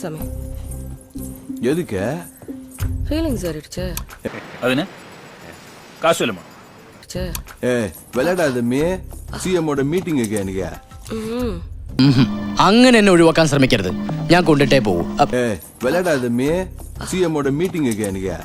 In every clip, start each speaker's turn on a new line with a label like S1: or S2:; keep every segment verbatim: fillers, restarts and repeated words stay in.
S1: சாமி.
S2: எதுக்கு?
S1: ஃபீலிங்ஸ் ஏறிடுச்சு.
S3: அதுன்னு காசு இல்லமா?
S2: ஏய் விளையாடாத மீ. சிஎம் ஓட மீட்டிங்குக்கு எனக்கு.
S4: അങ്ങനെ എന്നെ ഒഴിവാക്കാൻ ശ്രമിക്കരുത്. ഞാൻ കൊണ്ടിട്ടേ പോവും.
S2: ഏയ് വിளையாடாத மீ. சிஎம் ஓட மீட்டிங்குக்கு எனக்கு.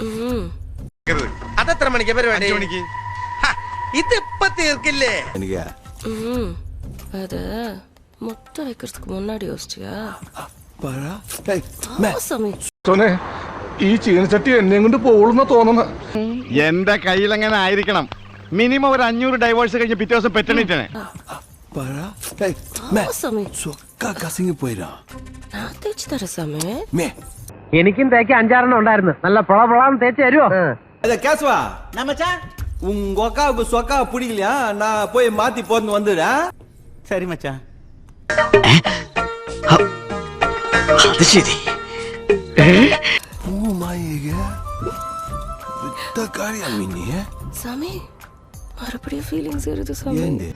S5: അതെത്ര മണിക്ക് പരിപാടി? അഞ്ച് മണിക്ക്. ഇത് ഇപ്പ തീർക്കില്ലേ?
S2: എനിക്ക്.
S1: அது முட்டை வைக்கிறதுக்கு முன்னாடி யோசிச்சியா?
S2: പറ. ഏയ് മേ.
S1: சாமி.
S6: സോനെ ഈ ചീനച്ചട്ടി എന്നെ കൊണ്ട് പോകുന്ന തോന്നുന്നു.
S7: എന്റെ കയ്യിൽ അങ്ങനെ ആയിരിക്കണം. മിനിമം ഒരു അഞ്ഞൂറ് ഡൈവേഴ്സ് കഴിഞ്ഞ് പിറ്റേ ദിവസം പെറ്റണിട്ടാണ്.
S2: പറ. ഏയ് മേ.
S1: சாமி.
S2: சொக்கா கசிங்க போயிடா.
S1: நான் தேய்ச்சி தரேன் சாமி.
S2: മേ.
S8: എനിക്കും തേക്ക് അഞ്ചാറെണ്ണം ഉണ്ടായിരുന്നു. നല്ല പൊള പൊളാന്ന് തേച്ച് തരുമോ?
S9: அத கேசுவா நம்மச்சா உங்க அக்காவுக்கு சொக்கா பிடிக்கலையா? நான் போய் மாத்தி போட்டு வந்துடுறேன்.
S7: சரி மச்சான்.
S4: അത് ശരി.
S2: ஓ மாயேக. வித்த காரியம் மின்னி.
S1: சாமி மறுபடியும் ஃபீலிங்ஸ் ஏறுது சாமி.
S2: ஏண்டே?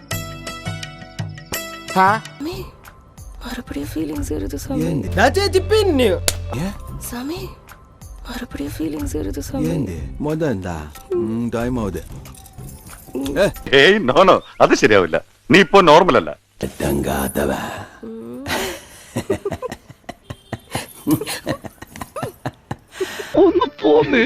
S1: சாமி மறுபடியும் ஃபீலிங்ஸ் ஏறுது சாமி.
S2: ஏண்டே?
S9: நான் பின்னு
S2: ஏ?
S1: சாமி மறுபடியும் ஃபீலிங்ஸ் ஏறுது சாமி.
S2: ஏண்டே? மொதண்டா. ம் டைம் ஆகுது.
S7: ഏയ് നോ നോ അത് ശരിയാവില്ല. നീ ഇപ്പോ നോർമൽ അല്ല.
S2: தங்காதவ.
S6: ഒന്ന് പോന്നേ.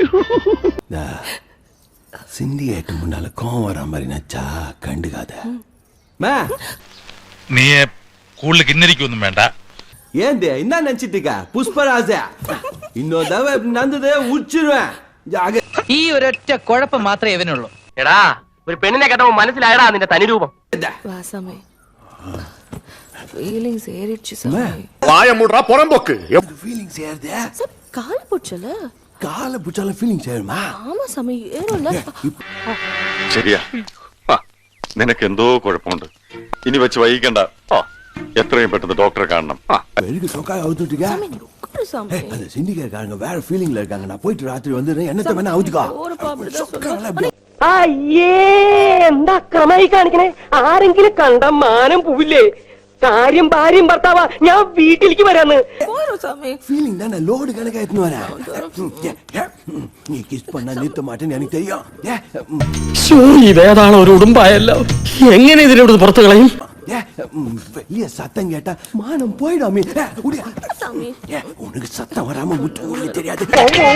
S2: சிண்டிகேட்டு முன்னால கோவம் வர மாதிரி நச்சா கண்டுக்காத.
S9: மே
S3: നീ കൂടുതൽ കിന്നരിക്കൊന്നും വേണ്ട.
S9: ஏண்டே என்ன நினைச்சிட்டு இருக்க? புஷ்பராஜ இன்னொரு தடவை இப்படி நடந்ததே உச்சிருவேன்.
S8: ഈ ഒരൊറ്റ കുഴപ്പം മാത്രമേ ഇവനുള്ളൂ.
S5: എടാ ഒരു പെണ്ണിനെ കേട്ടപ്പോ മനസ്സിലായടാ നിന്റെ തനിരൂപം.
S1: வா சாமி. ஃபீலிங்ஸ் ஏறிடுச்சு சாமி.
S7: വായ മൂടറാ പുറംപോക്ക്.
S2: ஃபீலிங்ஸ் ஏறுதே.
S1: சாமி கால போச்சல.
S2: காலை பிடிச்சாலும் ஃபீலிங்ஸ் ஏறுமா?
S1: ஆமா சாமி ஏறும்ல.
S7: ശരിയാ. നിനക്ക് എന്തോ കുഴപ്പമുണ്ട്. ഇനി വെച്ച് വൈകിക്കണ്ട. എത്രയും പെട്ടെന്ന് ഡോക്ടറെ കാണണം.
S2: வெறுக்கு சொக்காய் அவுத்துட்டுக்க.
S1: சாமி நீ உட்காரு சாமி.
S2: அந்த சிண்டிகேட்காரங்க வேற ஃபீலிங்ல இருக்காங்க. நான் போயிட்டு ராத்திரி வந்துடுறேன். என்னத்த வேணா அவுத்துக்கோ.
S1: ஒரு பாப்படிதான் சொல்றேன்.
S8: അയ്യേ എന്താ ക്രമായി കാണിക്കണേ? ആരെങ്കിലും കണ്ട മാനം പോവില്ലേ? കാര്യം ഭാര്യയും ഭർത്താവാ. ഞാൻ വീട്ടിലേക്ക് വരാന്ന്.
S1: போறோம் சாமி.
S2: ஃபீலிங் தானே லோடு கணக்கா எடுத்துன்னு வரேன். நீ கிஸ் பண்ணா நிறுத்த மாட்டேன்னு எனக்கு தெரியும். ஏ, ம்,
S4: ഇതേതാണ് ഒരു ഉടുമ്പായല്ലോ. എങ്ങനെ ഇതിലൂടെ പുറത്തു കളയും?
S2: ஏ, ம், வெளிய சத்தம் கேட்டா மானம் போயிடாமே. ஏ, உடியா.
S1: சாமி.
S2: ஏ, உனக்கு சத்தம் வராம முட்டு உங்களுக்கு தெரியாது.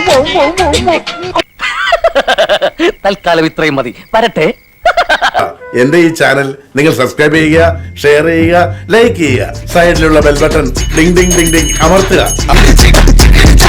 S4: തൽക്കാലം ഇത്രയും മതി. വരട്ടെ.
S6: എന്റെ ഈ ചാനൽ നിങ്ങൾ സബ്സ്ക്രൈബ് ചെയ്യുക, ഷെയർ ചെയ്യുക, ലൈക്ക് ചെയ്യുക. സൈഡിലുള്ള ബെൽ ബട്ടൺ ഡിങ് ഡിങ് ഡിങ് ഡിങ് അമർത്തുക.